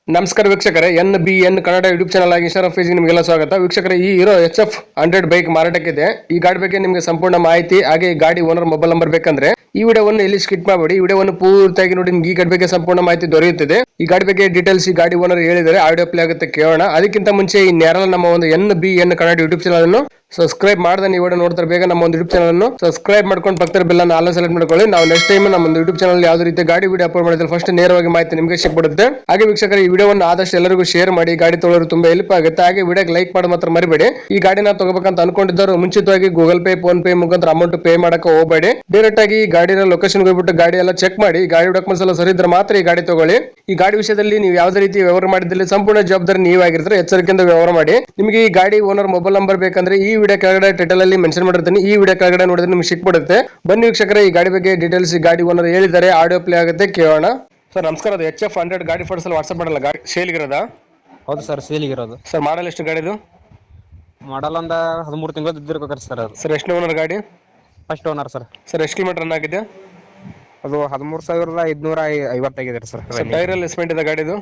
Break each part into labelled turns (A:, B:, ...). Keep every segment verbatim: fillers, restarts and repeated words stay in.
A: ನಮಸ್ಕಾರ ವೀಕ್ಷಕರೇ, N B N Kannada YouTube channel ಆಗಿ ಇನ್ಸ್ಟಾಗ್ರಾಮ್ ಪೇಜ್ಗೆ ನಿಮಗೆಲ್ಲ ಸ್ವಾಗತ. ವೀಕ್ಷಕರೇ, ಈ Hero H F hundred bike ಮಾರಾಟಕ್ಕಿದೆ. ಈ ಗಾಡಿ ಬಗ್ಗೆ ನಿಮಗೆ ಸಂಪೂರ್ಣ ಮಾಹಿತಿ ಹಾಗೆ ಈ ಗಾಡಿ ಓನರ್ ಮೊಬೈಲ್ ನಂಬರ್ ಬೇಕಂದ್ರೆ ಈ ವಿಡಿಯೋವನ್ನು ಎಲ್ಲಿ ಸ್ಕಿಪ್ ಮಾಡಬೇಡಿ. ಈ ವಿಡಿಯೋವನ್ನು ಪೂರ್ತಿಯಾಗಿ ನೋಡಿ, ನಿಮ್ಗೆ ಈ ಗಾಡಿ ಬಗ್ಗೆ ಸಂಪೂರ್ಣ ಮಾಹಿತಿ ದೊರೆಯುತ್ತದೆ. ಈ ಗಾಡಿ ಬಗ್ಗೆ ಡೀಟೇಲ್ಸ್ ಈ ಗಾಡಿ ಓನರ್ ಹೇಳಿದರೆ ಆಡಿಯೋ ಪ್ಲೇ ಆಗುತ್ತೆ, ಕೇಳೋಣ. ಅದಕ್ಕಿಂತ ಮುಂಚೆ ಈ ನೇರಳ ನಮ್ಮ ಒಂದು N B N Kannada YouTube channel ಅನ್ನು ಸಬ್ಸ್ಕ್ರೈಬ್ ಮಾಡದೆ ನೀವು ವಿಡಿಯೋ ನೋಡ್ತಾರೆ, ಬೇಗ ನಮ್ಮ ಒಂದು ಯೂಟ್ಯೂಬ್ ಚಾನಲ್ ಅನ್ನು ಸಬ್ಸ್ಕ್ರೈಬ್ ಮಾಡ್ಕೊಂಡು ಪಕ್ಕದ ಬೆಲ್ ಅನ್ನು ಆಲ್ ಸೆಲೆಕ್ಟ್ ಮಾಡ್ಕೊಳ್ಳಿ. ನಾವು ನೆಕ್ಸ್ಟ್ ಟೈಮ್ ನಮ್ಮ ಒಂದು ಯೂಟ್ಯೂಬ್ ಚಾನಲ್ ಯಾವುದೇ ರೀತಿ ಗಾಡಿ ವಿಡಿಯೋ ಅಪ್ಲೋಡ್ ಮಾಡಿದ್ರೆ ಫಸ್ಟ್ ನೇರವಾಗಿ ಮಾಹಿತಿ ನಿಮಗೆ ಸಿಕ್ಬಿಡುತ್ತೆ. ಹಾಗೆ ವೀಕ್ಷಕರ, ಈ ವಿಡಿಯೋವನ್ನು ಆದಷ್ಟು ಎಲ್ಲರಿಗೂ ಶೇರ್ ಮಾಡಿ, ಗಾಡಿ ತೊಗೊಳ್ಳೋರು ತುಂಬಾ ಹೆಲ್ಪ್ ಆಗುತ್ತೆ. ಹಾಗೆ ವಿಡಿಯೋಗೆ ಲೈಕ್ ಮಾಡಿ ಮಾತ್ರ ಮರಿಬೇಡಿ. ಈ ಗಾಡಿನ ತಗೋಬೇಕಂತ ಅನ್ಕೊಂಡಿದ್ದವರು ಮುಂಚಿತವಾಗಿ ಗೂಗಲ್ ಪೇ, ಫೋನ್ ಪೇ ಮುಖಾಂತರ ಅಮೌಂಟ್ ಪೇ ಮಾಡಕ್ಕೆ ಹೋಗಬೇಡಿ. ಡೈರೆಕ್ಟ್ ಆಗಿ ಗಾಡಿನ ಲೊಕೇಶನ್ ಹೋಗ್ಬಿಟ್ಟು ಗಾಡಿ ಎಲ್ಲ ಚೆಕ್ ಮಾಡಿ, ಗಾಡಿ ಡಾಕ್ಯುಮೆಂಟ್ಸ್ ಎಲ್ಲ ಸರಿ ಇದ್ರೆ ಮಾತ್ರ ಈ ಗಾಡಿ ತಗೊಳ್ಳಿ. ಈ ಗಾಡಿ ವಿಷಯದಲ್ಲಿ ನೀವು ಯಾವುದೇ ರೀತಿ ವ್ಯವಹಾರ ಮಾಡಿದಲ್ಲಿ ಸಂಪೂರ್ಣ ಜವಾಬ್ದಾರಿ ನೀವಾಗಿರ್ತಾರೆ. ಎಚ್ಚರಿಕೆಯಿಂದ ವ್ಯವಹಾರ ಮಾಡಿ. ನಿಮಗೆ ಈ ಗಾಡಿ ಓನರ್ ಮೊಬೈಲ್ ನಂಬರ್ ಬೇಕಂದ್ರೆ ಈ ವಿಡಿಯೋ ಕೆಳಗಡೆ ಟೈಟಲ್ ಅಲ್ಲಿ ಮೆನ್ಷನ್ ಮಾಡಿರ್ತೀನಿ. ಈ ವಿಡಿಯೋ ಕೆಳಗಡೆ ನೋಡಿದ್ರೆ ನಿಮ್ಗೆ ಸಿಕ್ಬಿಡುತ್ತೆ. ಬನ್ನಿ ವೀಕ್ಷಕರೇ, ಈ ಗಾಡಿ ಬಗ್ಗೆ ಡೀಟೇಲ್ಸ್ ಈ ಗಾಡಿ ಓನರ್ ಹೇಳಿದ್ದಾರೆ, ಆಡಿಯೋ ಪ್ಲೇ ಆಗುತ್ತೆ, ಕೇಳೋಣ. ಸರ್ ನಮಸ್ಕಾರ, ಅದು ಎಚ್ ಎಫ್ ಹಂಡ್ರೆಡ್ ಗಾಡಿ ಫೋಟೋಸ್ ಅಲ್ಲಿ ವಾಟ್ಸ್ಆಪ್ ಮಾಡಲ್ಲ, ಗಾಡಿ ಸೇಲ್ಗಿರೋದಾ?
B: ಹೌದು ಸರ್, ಸೇಲಿಗಿರೋದು.
A: ಸರ್ ಮಾಡಲ್ ಎಷ್ಟು ಗಾಡಿದು?
B: ಮಾಡಲ್ ಒಂದ ಹದಿಮೂರು ತಿಂಗಳು ಇದ್ದಿರ್ಬೇಕಾರೆ ಸರ್. ಅದು
A: ಸರ್ ಎಷ್ಟು ಓನರ್ ಗಾಡಿ?
B: First owner sir.
A: ಸರ್ ಎಷ್ಟು ಕಿಲೋಮೀಟರ್ ರನ್ ಆಗಿದೆ?
B: ಅದು ಹದಿಮೂರು ಸಾವಿರದ ಐದ್ನೂರ ಐವತ್ತಾಗಿದೆ ಸರ್.
A: ಟೈರ್ ಅಲ್ಲಿ ಎಸ್ಪೆಂಟ್ ಇದೆ ಗಾಡಿದು?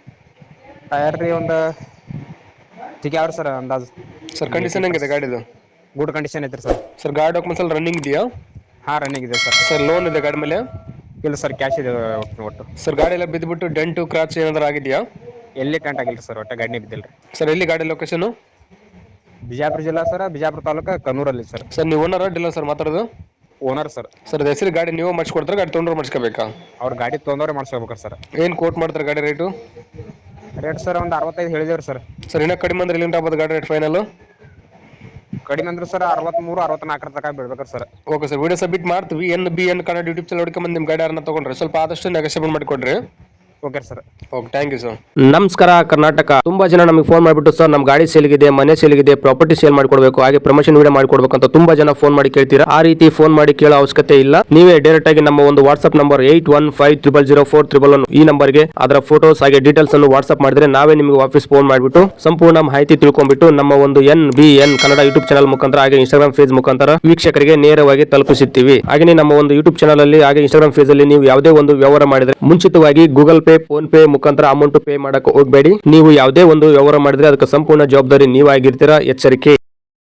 B: ಟೈರ್ ರೀ ಒಂದು ಚಿಕ್ಕ ಯಾವ್ದು ಸರ್ ಅಂದಾಜು.
A: ಸರ್ ಕಂಡೀಷನ್ ಹೆಂಗಿದೆ ಗಾಡಿದು?
B: ಗುಡ್ ಕಂಡೀಷನ್ ಐತ್ರಿ ಸರ್.
A: ಸರ್ ಗಾಡಿ ಡಾಕ್ಯುಮೆಂಟ್ಸ್ ಅಲ್ಲಿ ರನ್ನಿಂಗ್ ಇದೆಯಾ?
B: ಹಾ, ರನ್ನಿಂಗ್ ಇದೆ ಸರ್.
A: ಸರ್ ಲೋನ್ ಇದೆ ಗಾಡಿ ಮೇಲೆ?
B: ಇಲ್ಲ ಸರ್, ಕ್ಯಾಶ್ ಇದೆ ಒಟ್ಟು.
A: ಸರ್ ಗಾಡಿ ಎಲ್ಲ ಬಿದ್ದುಬಿಟ್ಟು ಡೆಂಟು ಕ್ರಾಚ್ ಏನಾದ್ರು ಆಗಿದೆಯಾ?
B: ಎಲ್ಲಿ ಟೆಂಟ್ ಆಗಿಲ್ಲ ಸರ್, ಒಟ್ಟು ಗಾಡಿನೇ ಬಿದ್ದಿಲ್ಲ ರೀ.
A: ಸರ್ ಎಲ್ಲಿ ಗಾಡಿ ಲೊಕೇಶನ್?
B: ಬಿಜಾಪುರ ಜಿಲ್ಲಾ ಸರ್, ಬಿಜಾಪುರ ತಾಲೂಕು ಕನ್ನೂರಲ್ಲಿ ಸರ್.
A: ಸರ್ ನೀವು ಓನರ್ ಡೀಲರ್ ಸರ್ ಮಾತಾಡೋದು?
B: Owner sir.
A: ಸರ್ ಹೆಸರು ಗಾಡಿ ನೀವು ಮಾಡಿಸ್ಕೊಡ್ತಾರೆ, ಗಾಡಿ ತೊಗೊಂಡ್ರೆ ಮಾಡಿಸ್ಕೋಬೇಕಾ?
B: ಅವ್ರ ಗಾಡಿ ತೊಗೊಂಡವ್ರೆ ಮಾಡಿಸ್ಕೋಬೇಕಾರೆ ಸರ್.
A: ಏನು ಕೋಟ್ ಮಾಡ್ತಾರೆ ಗಾಡಿ ರೇಟು?
B: ರೇಟ್ ಸರ್ ಒಂದು ಅರವತ್ತೈದು ಹೇಳಿದೇವ್ರಿ ಸರ್.
A: ಸರ್ ಇನ್ನೂ ಕಡಿಮೆ ಅಂದ್ರೆ ಎಲ್ಲಿಂದ ಆಗ್ಬೋದು ಗಾಡಿ ರೇಟ್ ಫೈನಲ್?
B: ಕಡಿಮೆ ಅಂದ್ರೆ ಸರ್ ಅರವತ್ಮೂರು ಅರವತ್ನಾಲ್ಕರ ತನಕ ಬೀಳ್ಬೇಕಾರೆ sir.
A: Okay sir, video submit ಮಾಡ್ತೀವಿ. N B N Kannada YouTube channel ಹುಡುಕೊಂಬಂದು ನಿಮ್ಮ ಗಾಡಿ ಯಾರನ್ನ ತೊಗೊಂಡ್ರೆ ಸ್ವಲ್ಪ ಆದಷ್ಟು ನೆಗೋಷಿಯೇಟ್ ಮಾಡಿಕೊಡ್ರಿ.
B: Okay sir.
A: Okay, thank you sir.
C: ನಮಸ್ಕಾರ ಕರ್ನಾಟಕ. ತುಂಬಾ ಜನ ನಮಗೆ ಫೋನ್ ಮಾಡಿಬಿಟ್ಟು ಸರ್ ನಮ್ಮ ಗಾಡಿ ಸೇಲ್ಗಿದೆ, ಮನೆ ಸೇಲ್ಗಿದೆ, ಪ್ರಾಪರ್ಟಿ ಸೇಲ್ ಮಾಡಿಕೊಡ್ಬೇಕು, ಹಾಗೆ ಪ್ರಮೋಷನ್ ವಿಡಿಯೋ ಮಾಡಿಕೊಡ್ಬೇಕು ಅಂತ ತುಂಬಾ ಜನ ಫೋನ್ ಮಾಡಿ ಕೇಳ್ತೀರಾ. ಆ ರೀತಿ ಫೋನ್ ಮಾಡಿ ಕೇಳೋ ಅವಶ್ಯಕತೆ ಇಲ್ಲ. ನೀವೇ ಡೈರೆಕ್ಟ್ ಆಗಿ ನಮ್ಮ ಒಂದು WhatsApp number eight one five triple zero four triple one ಈ ನಂಬರ್ಗೆ ಅದರ ಫೋಟೋಸ್ ಹಾಗೆ ಡೀಟೇಲ್ಸ್ ಅನ್ನು ವಾಟ್ಸ್ಆಪ್ ಮಾಡಿದ್ರೆ ನಾವೇ ನಿಮಗೆ ವಾಪಸ್ ಫೋನ್ ಮಾಡಿಬಿಟ್ಟು ಸಂಪೂರ್ಣ ಮಾಹಿತಿ ತಿಳ್ಕೊಂಡ್ಬಿಟ್ಟು ನಮ್ಮ ಒಂದು N B N Kannada YouTube channel ಮುಖಾಂತರ ಹಾಗೆ ಇನ್ಸ್ಟಾಗ್ರಾಮ್ ಪೇಜ್ ಮುಖಾಂತರ ವೀಕ್ಷಕರಿಗೆ ನೇರವಾಗಿ ತಲುಪಿಸುತ್ತೀವಿ. ಹಾಗೆ ನಮ್ಮ ಒಂದು ಯೂಟ್ಯೂಬ್ ಚಾನಲ್ ಅಲ್ಲಿ ಹಾಗೆ ಇನ್ಸ್ಟಾಗ್ರಾಮ್ ಪೇಜ್ ಅಲ್ಲಿ ನೀವು ಯಾವುದೇ ಒಂದು ವ್ಯವಹಾರ ಮಾಡಿದ್ರೆ ಮುಂಚಿತವಾಗಿ ಗೂಗಲ್ ಪೇ, ಫೋನ್ ಪೇ ಮುಖಾಂತರ ಅಮೌಂಟ್ ಪೇ ಮಾಡಕ್ಕೆ ಹೋಗಬೇಡಿ. ನೀವು ಯಾವುದೇ ಒಂದು ವ್ಯವಹಾರ ಮಾಡಿದ್ರೆ ಅದಕ್ಕೆ ಸಂಪೂರ್ಣ ಜವಾಬ್ದಾರಿ ನೀವಾಗಿರ್ತೀರಾ. ಎಚ್ಚರಿಕೆ.